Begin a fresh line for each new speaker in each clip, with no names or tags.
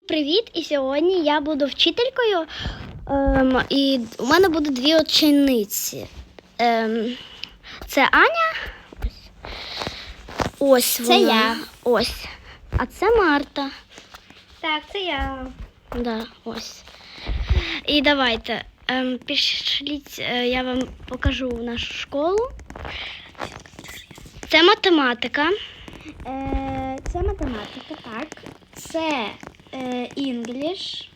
Привіт! І сьогодні я буду вчителькою, і у мене буде дві учениці. Це Аня. Ось вона.
Це я.
Ось. А це Марта.
Так, це я.
Да, ось. І давайте, пішліть, я вам покажу нашу школу. Це математика.
Це математика, так. Це English.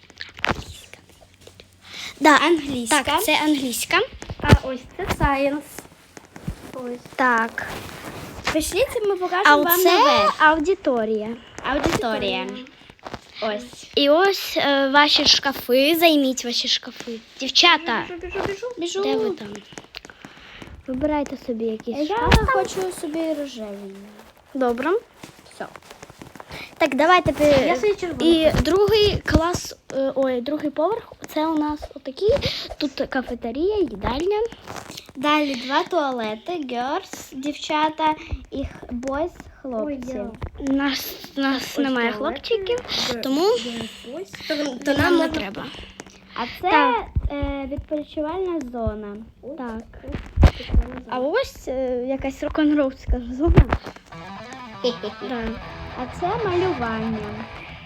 Да,
Англійська.
Так, це англійська.
А ось це Science. Ось.
Так.
Пішліть, ми
А
покажемо вам
це
нове.
аудиторія.
Аудиторія. Ось.
І ось ваші шкафи. Займіть ваші шкафи. Дівчата,
Біжу.
де ви там? Вибирайте собі якісь
Я
шкафи.
хочу собі рожевий.
Добре.
Все.
Так, давайте.
Я собі червоний.
І другий клас, другий поверх. Це у нас отакий. Тут кафетерія, їдальня.
Далі два туалети, girls, дівчата, і boys, хлопці.
У нас немає хлопчиків, тому
То
нам не треба.
А це
Так.
відпочивальна зона.
Так. А ось якась рок-н-ролльська зона. Да.
А це малювання.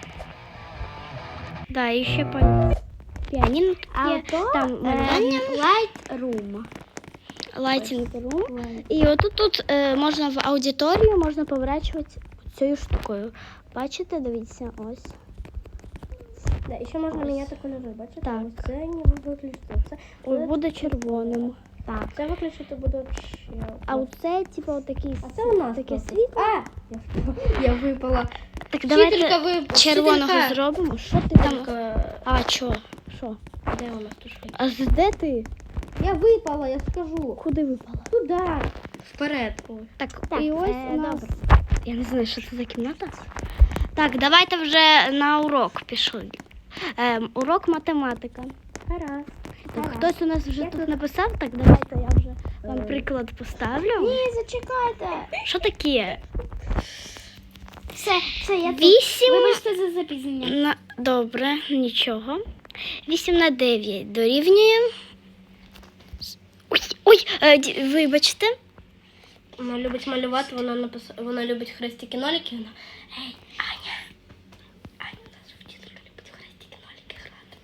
Да, і ще піаніно тут
А
є.
то
Там малювання.
light room.
Лайтінг рум. І отут можна в аудиторію, можна поворачувати цією штукою. Бачите, дивіться, ось.
Да, і ще можна міняти кольори, бачите?
Так.
Ось це не виключити. Це,
Ось буде червоним.
так, це виключити буде ще.
А оце, типу, отакий.
А це у нас
таке
просто.
світло.
Я випала.
Так
Вчителька
давайте червоного
вчителька.
зробимо. Що ти там?
Вчителька.
А, що?
Де у нас тут?
А де ти?
Я випала, я скажу.
Куди випала?
Туди. Вперед.
Так,
Так,
і ось у нас.
добре.
Я не знаю, що це за кімната. Так, давайте вже на урок пішли. Урок математика.
Гаразд.
Так, хтось у нас вже тут написав, так давайте я вже вам приклад поставлю.
Ні, зачекайте.
Що таке?
Все, я тут.
8
Вибачте за запізнення.
Добре, нічого. 8 на 9 дорівнює. Ой, вибачте.
Вона любить малювати, вона любить хрестики-нолики. Вона... Ей, Аня, наша вчителька любить хрестики-нолики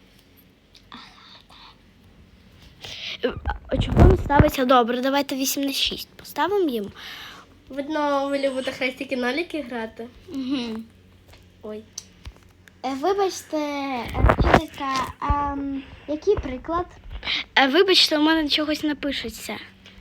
грати.
А чого не ставиться? Добре, давайте 8 на 6 поставимо їм.
Видно, ви любите хрестики-нолики грати?
Угу.
Ой.
Вибачте, вчителька, який приклад? Вибачте, у мене чогось не пишеться.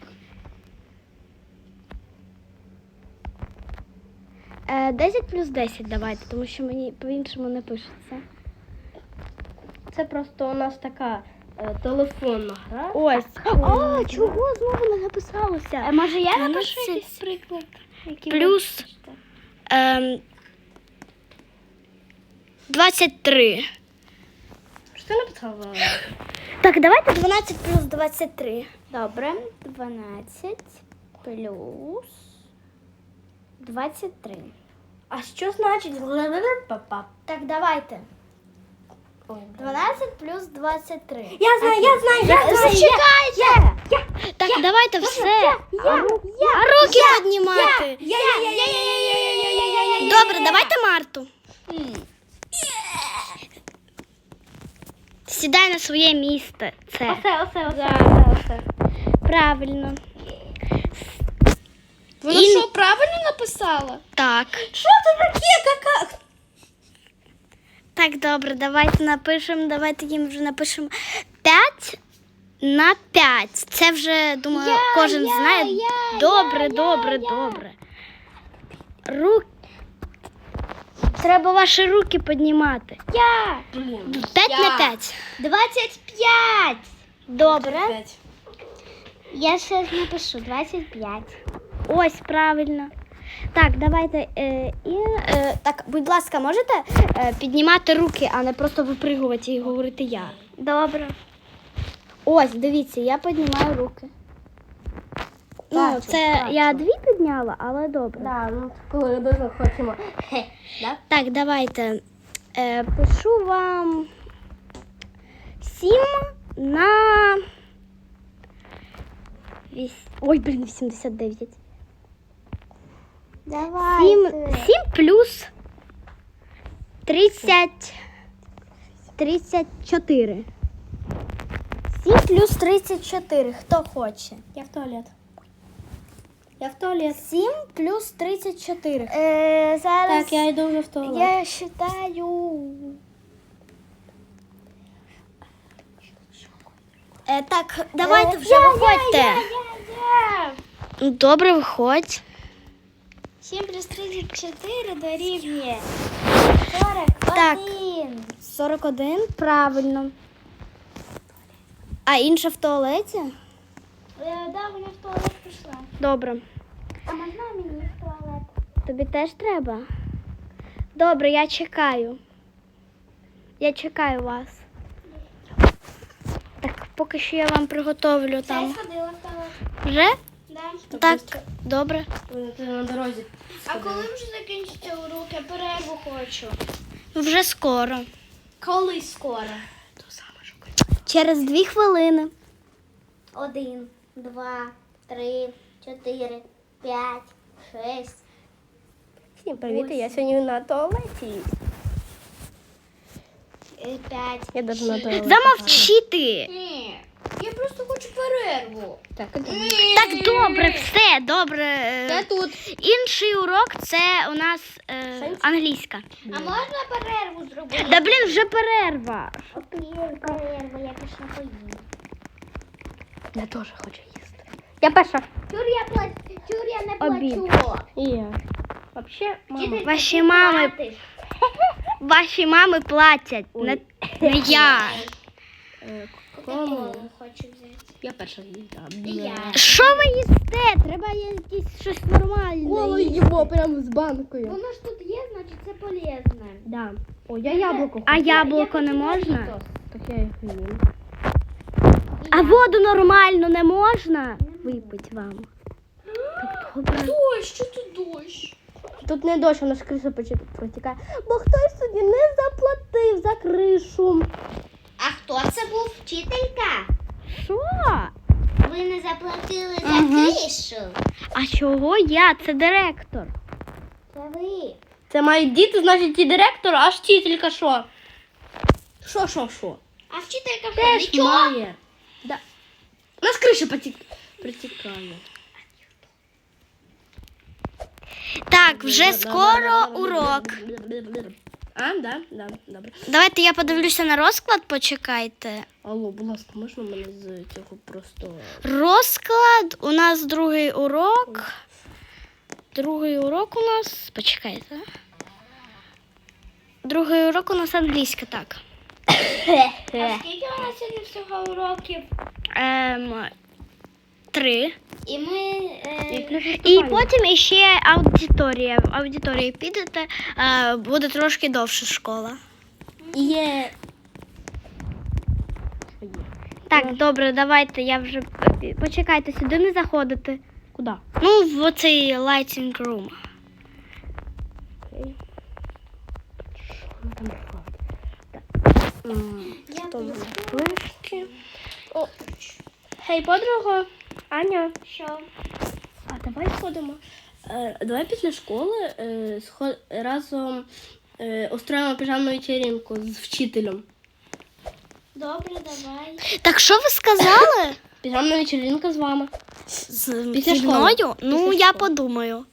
Е, 10 плюс 10 давайте, тому що мені по-іншому не пишеться.
Це просто у нас така телефонна гра.
Ось. О, чого знову не написалося?
Може я
Та
напишу
ну це-
якийсь приклад?
Плюс 23.
Що ти написала?
Так, давайте 12 плюс 23.
Добре, 12 плюс 23. А що значить?
Так, давайте.
Ой,
12 плюс 23.
Я знаю.
Зачекайте! Так, давайте все. А руки піднімати. Добре, давайте Марту. Сідай на своє місце. Це
Оце.
правильно.
Вона що, правильно написала?
Так.
Що це таке? Кака?
Так, добре, давайте їм вже напишемо 5 на 5. Це вже, думаю, кожен знає. Добре. Треба ваші руки піднімати. 5 на 5.
25.
Добре.
Я ще напишу 25.
Ось, правильно. Так, давайте. Так, будь ласка, можете піднімати руки, а не просто випригувати і говорити я.
Добре.
Ось, дивіться, я піднімаю руки. Ну, це я 2 підняла, але добре.
Да, ну коли дуже хочемо. Да?
Так, давайте. Пишу вам 7 на... Ой, блін, 89.
Давай.
7 плюс 34. 7 плюс 34. Хто хоче?
Я в туалет. Я в туалет.
7 плюс 34.
Зараз
Так, я йду вже в туалет.
я считаю.
Так, давайте вже виходьте. Ну, добре, виходь.
7 плюс 34 дорівнює 41.
Так. 41, правильно. А інша в туалеті?
Да, вона в туалет пішла.
Добре.
А можна мені в туалет?
Тобі теж треба? Добре, я чекаю. Я чекаю вас. Так, поки що я вам приготовлю
Я
там.
сходила в туалет.
Вже?
Да.
Так, добре.
Ти на дорозі.
А коли вже закінчиться урок? Я перерву хочу.
Вже скоро.
Коли скоро?
Через 2 хвилини.
1, 2, 3, 4, 5, 6.
Всім привіт, я сьогодні на туалеті.
5.
Я даже на туалеті.
Замовчи ти!
Ні, я просто хочу перерву.
Так, іди.
Так, добре, все, добре.
Я тут.
Інший урок це у нас англійська.
А можна перерву зробити?
Да блін, вже перерва.
Окей, перерва, я пішла поїм.
Я теж хочу їсти. Я перша.
Чур я не
Обід.
плачу.
І я. Вообще, мама.
Вчителька,
Ваші
ти
мами-
платиш.
Ваші мами платять, не я.
Кому?
Хочу взяти.
Я перша їда.
І я.
Що ви їсте? Треба якесь щось нормальне.
їмо прямо з банкою.
Воно ж тут є, значить це полезне.
Да. О, я яблуко
А
хочу.
яблуко не
хочу
можна?
Дорітос.
Так я їх їм.
А воду нормально не можна випити вам? Так добре.
Дощ, що тут дощ?
Тут не дощ, вона ж криша протікає. Бо хтось сьогодні не заплатив за кришу.
А хто це був? Вчителька?
Що?
Ви не заплатили за
Ага.
кришу?
А чого я? Це директор.
Це ви.
Це мають діти, значить і директор, а вчителька що? Що?
А вчителька в
Теж
нічого?
має. Да. У нас криша протікає.
Так, вже скоро урок.
А, да, добре.
Давайте я подивлюся на розклад, почекайте.
Алло, будь ласка, можна мене з цього просто...
Розклад, у нас другий урок. Другий урок у нас. Почекайте. Другий урок у нас англійська, так.
А скільки у нас сьогодні всього уроків?
3.
І ми...
І потім іще аудиторія. В аудиторії підете, буде трошки довше школа.
Є.
Так, добре, давайте, я вже... Почекайте, сюди не заходите.
Куди?
Ну, в оцей lighting room.
Окей.
Я
Флешки. О. Гей, подруга. Аня.
що?
А давай сходимо. Давай після школи разом устроїмо піжамну вечеринку з вчителем.
Добре, давай.
Так, що ви сказали?
Піжамна вечеринка з вами. Після
Зі
школи.
мною? Ну,
Після
я
школи.
подумаю.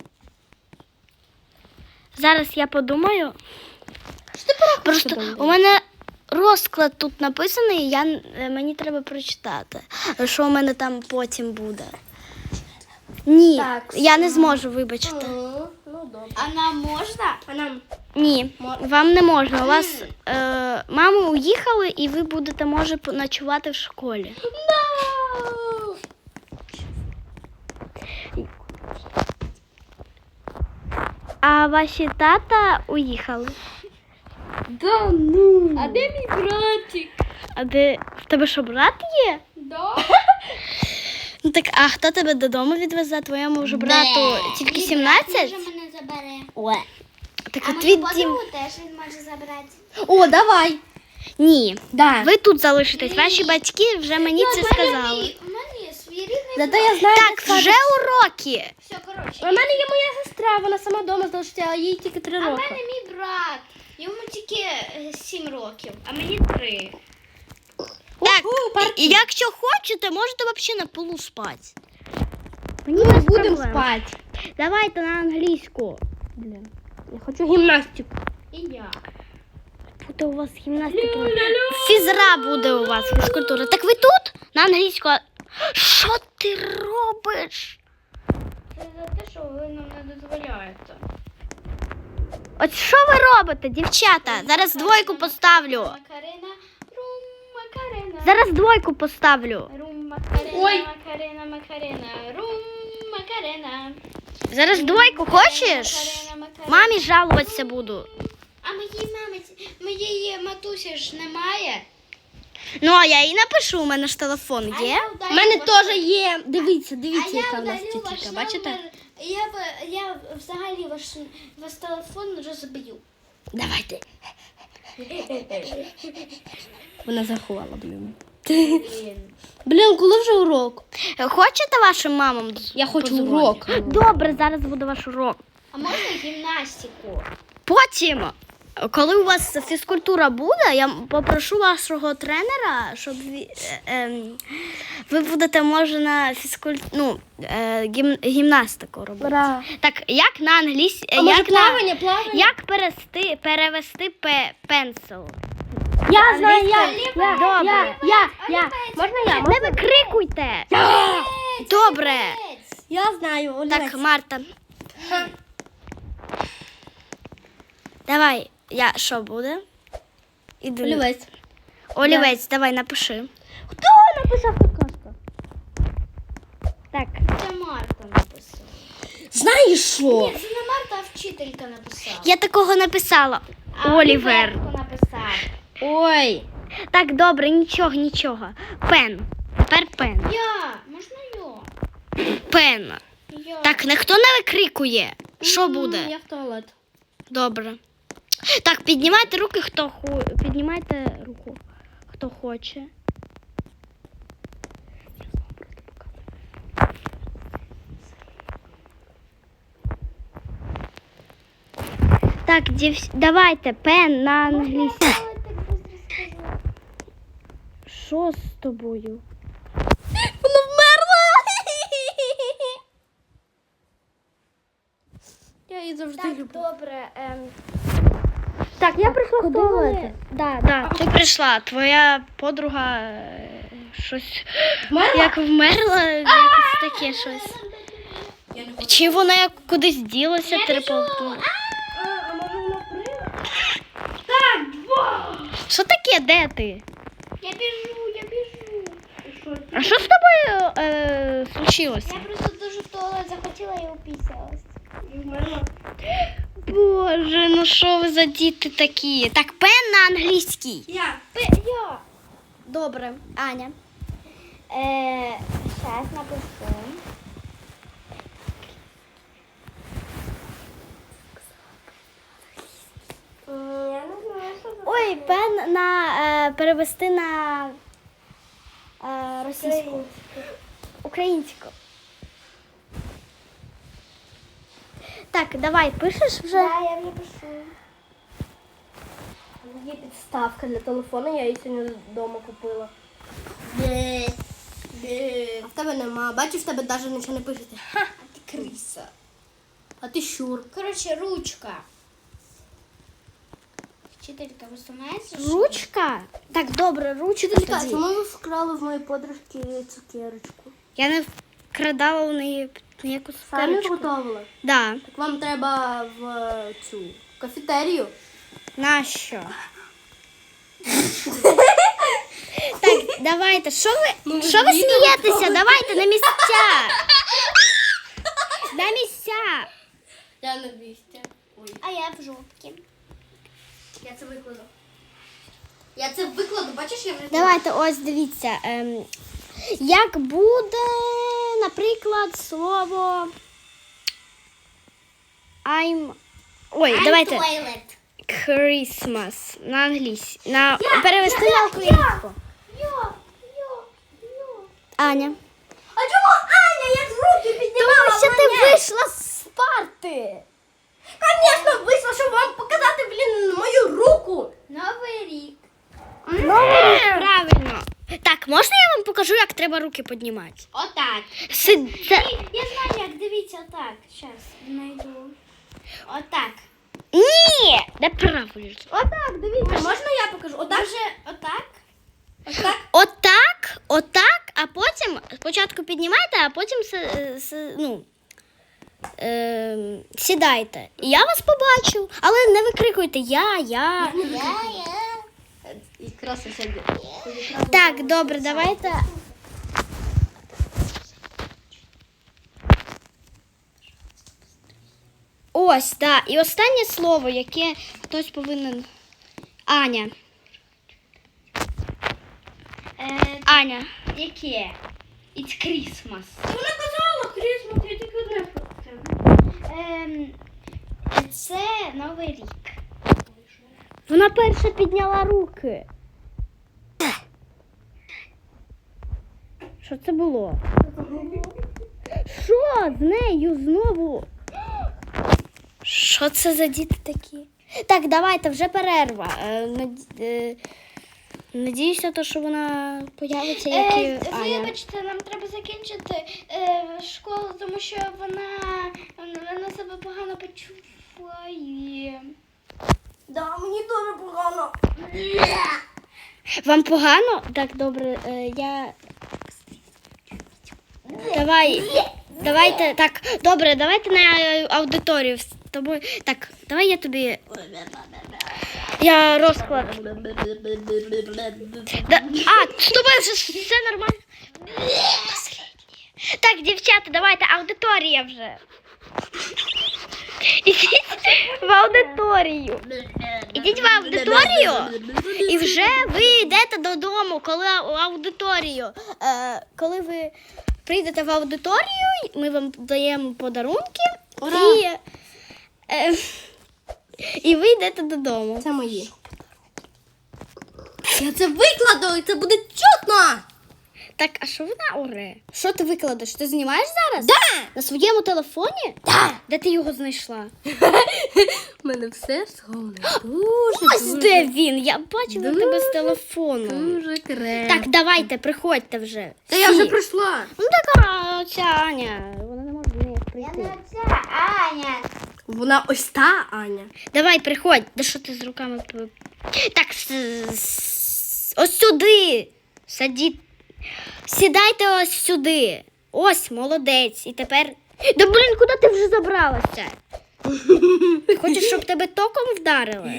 Зараз я подумаю. Просто у мене розклад тут написаний, мені треба прочитати, що у мене там потім буде. Ні,
Так,
я не зможу, вибачте.
Ну, добре.
А нам можна?
А нам?
Ні, вам не можна. У вас мами уїхали і ви будете, може, ночувати в школі. А ваші тата уїхали.
Да ну.
А де мій братик?
А де в тебе що, брат є?
Да.
Ну так, а хто тебе додому відвезе? Твоєму вже брату тільки 17?
Може мене забере.
Так
А
от
мою
від
подругу теж візьме може забрати.
О, давай.
Ні.
Да.
Ви тут залишитесь. Ваші батьки вже мені це сказали.
У мене є свій рідний.
Зато я знаю,
Так,
де
вже
садик.
уроки.
Все, коротше.
У мене є моя сестра, вона сама вдома залишиться, а їй тільки 3
А в
роки.
мене мій брат. Йому тільки 7 років, а мені 3.
Так,
парки.
і якщо хочете, можете взагалі на полу спати.
Ми не будемо спати.
Давайте на англійську.
Блін, я хочу гімнастику.
І я.
Буде у вас гімнастика. Фізра буде у вас, фізкультура. Так ви тут? На англійську. Що ти робиш?
Це за те, що ви нам не дозволяєте.
От що ви робите, дівчата? Зараз двойку поставлю.
Макарена, рум, Макарена.
Зараз двойку поставлю.
Рум, Макарена,
Ой.
Макарена, Макарена, рум, Макарена.
Зараз двойку хочеш?
Макарена, Макарена.
Мамі жалуватися буду.
А моєї матусі ж немає.
Ну, а я їй напишу, у мене ж телефон є.
У мене теж є. Дивіться,
А
дивіться,
я
яка в нас
удалю ваш
тітка, бачите?
номер. Я взагалі ваш телефон розбию.
Давайте. Вона заховала, блін. Блін, коли вже урок?
Хочете вашим мамам?
Я хочу
подзвоню?
урок.
Добре, зараз буде ваш урок.
А можна гімнастику?
Потім, коли у вас фізкультура буде, я попрошу вашого тренера, щоб ви будете, може, на гімнастику робити.
Ура.
Так, як на англійській,
А може
як,
плавання, плавання?
як перевести пенсил?
Я знаю,
Добре.
я. Можна я?
Не викрикуйте. Добре.
Я знаю, олівець.
Так, Марта. Давай, що буде? Іду.
Олівець.
Олівець, давай, напиши.
Хто написав какашка?
Так.
Це Марта написала.
Знаєш що?
Ні, це не Марта, а вчителька написала.
Я такого написала.
А
Олівер.
Оліверко написав.
Ой.
Так, добре, нічого. Пен. Тепер пен.
Я, можна я?
Пен.
Я.
Так, ніхто не викрикує. Що буде?
Я в туалет.
Добре. Так, піднімайте руки, піднімайте руку, хто хоче. Так, давайте пен на англійську.
Я так швидко скажу.
Що з тобою?
Вона вмерла. Я її завжди
Так,
люблю.
добре.
Так, я прийшла в туалет.
Да, ти прийшла. Твоя подруга щось
Вмерла?
як вмерла, якось таке щось. Чи вона як кудись ділася, переповтнула?
А може вона прийде?
Що таке, де ти?
Я біжу.
А що з тобою случилося?
Я просто дуже в туалет захотіла і упісялась.
Боже, ну що ви за діти такі? Так, пен на англійській.
Я.
Добре, Аня.
Зараз напишу. Я не знаю, що це.
Ой, пен на перевести на російську. Українську. Так, давай, пишеш вже?
Да, я вже пишу.
Є підставка для телефону, я її сьогодні вдома купила. А в тебе нема. Бачиш, в тебе навіть нічого не пишете.
А ти криса.
А ти щур.
Коротше, ручка. Вчителька, ви сумаєте?
Ручка? Так, добре, ручка
Вчителька,
тоді.
чому ви вкрали в моєї подружки цукерочку?
Я не вкрадала у неї ніяку
Самі
цукерочку.
готували?
Да.
Так вам треба в цю кафетерію.
Нащо? Так, давайте, що ви смієтеся? Давайте на місця. На місця.
Я на місці. Ой,
А я в жопці.
я це викладу. Я це викладу, бачиш, я вже...
Давайте, ось дивіться. Як буде, наприклад, слово I'm... Ой, давайте.
Toilet.
Christmas на англійську. Перевести на українську. Аня.
А чому Аня, я ж руки піднімала?
Тому що ти вийшла з парти.
Звісно, вийшла, щоб вам показати, мою руку.
Новий рік.
Правильно. Так, можна я вам покажу, як треба руки піднімати?
Отак. Я знаю, як, дивіться, отак. Зараз знайду. Отак.
Ні, неправильно.
Отак, дивіться, можна я покажу? Отак?
Може, отак?
Отак?
Отак, а потім спочатку піднімайте, а потім сідайте. І я вас побачу, але не викрикуйте я.
Якраз сьогодні.
Так, добре, давайте. Ось, так. І останнє слово, яке хтось повинен. Аня. Аня.
Яке? It's Christmas.
Вона казала Крісмас, я тільки одне
Це Новий рік.
Вона перша підняла руки. Що це було? Що з нею знову? Що це за діти такі? Так, давайте, вже перерва. Надіюся, що вона появиться, як і Аня.
Вибачте, нам треба закінчити школу, тому що вона себе погано почуває.
Да, мені дуже погано.
Вам погано? Так, добре, я... Давайте, так, добре, давайте на аудиторію з тобою. Так, давай я тобі... Я розклад. З тобою вже все нормально. Так, дівчата, давайте, аудиторія вже. Ідіть в аудиторію. Ідіть в аудиторію і вже ви йдете додому, коли аудиторію. Коли ви прийдете в аудиторію, ми вам даємо подарунки і ви йдете додому.
Це мої. Я це викладу, і це буде чутно.
Так, а що вона оре? Що ти викладеш? Ти знімаєш зараз?
Да.
На своєму телефоні?
Да.
Де ти його знайшла?
У мене все сховане.
Ось де він. Я бачила тебе з телефону.
Дуже креативно.
Так, давайте, приходьте вже.
Та я
Всі.
вже прийшла.
Ну така оця Аня. Вона не може до неї прийти.
Оця Аня.
Вона ось та Аня.
Давай, приходь. Да що ти з руками? Так, ось сюди. Садіть. Сідайте ось сюди. Ось, молодець. І тепер... Да блін, куди ти вже забралася? Хочеш, щоб тебе током вдарили?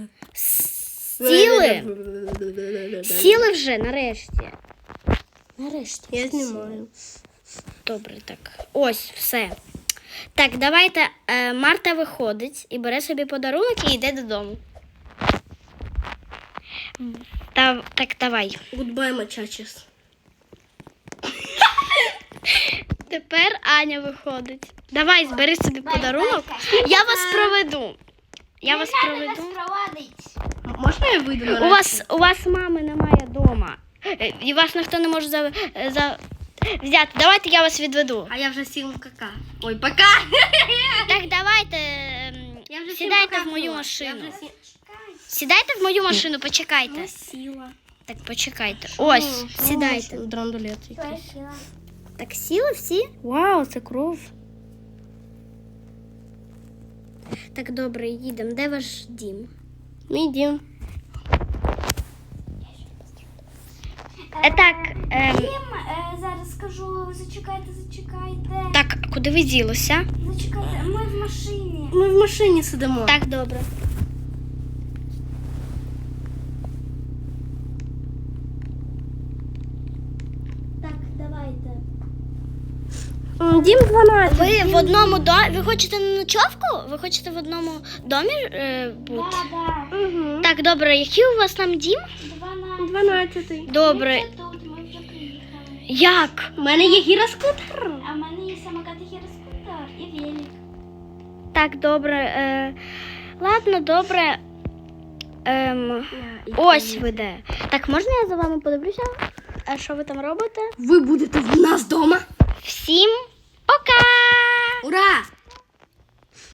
Сіли? Сіли вже, нарешті. Нарешті.
Я знімаю.
Добре, так. Ось, все. Так, давайте. Марта виходить і бере собі подарунок і йде додому. Так, давай.
Goodbye, muchachos.
Тепер Аня виходить. Давай, збери собі подарунок. Я вас проведу. Я вас проведу.
проводить.
Можна я вийду на
У вас мами немає вдома. І вас ніхто не може взяти. Давайте я вас відведу.
А я вже сіла в кака. Ой, пока.
Так, давайте.
Я вже
Сідайте в мою машину. Сідайте в мою машину, почекайте.
Сіла.
Так, почекайте. Ось, сідайте.
Драндулет якийсь.
Так, сіли всі? Вау, це кров. Так, добре, їдемо. Де ваш дім?
Мій дім.
Так,
Зараз скажу, зачекайте.
так, куди ви ділися?
Зачекайте, ми в машині.
Ми в машині сидимо.
Так, добре.
Так, давайте.
Дім 12.
Ви в одному домі. Ви хочете на ночовку? Ви хочете в одному домі бути?
Да.
Угу.
Так, добре, який у вас там дім?
12.
Добре.
Тут ми вже приїхали.
Як?
У мене є гіроскутер.
А в мене є самокат і гіроскутер, і велик.
Так, добре. Ладно, добре. ось веде. Так, можна я за вами подивлюся? А що ви там робите?
Ви будете в нас вдома?
Всім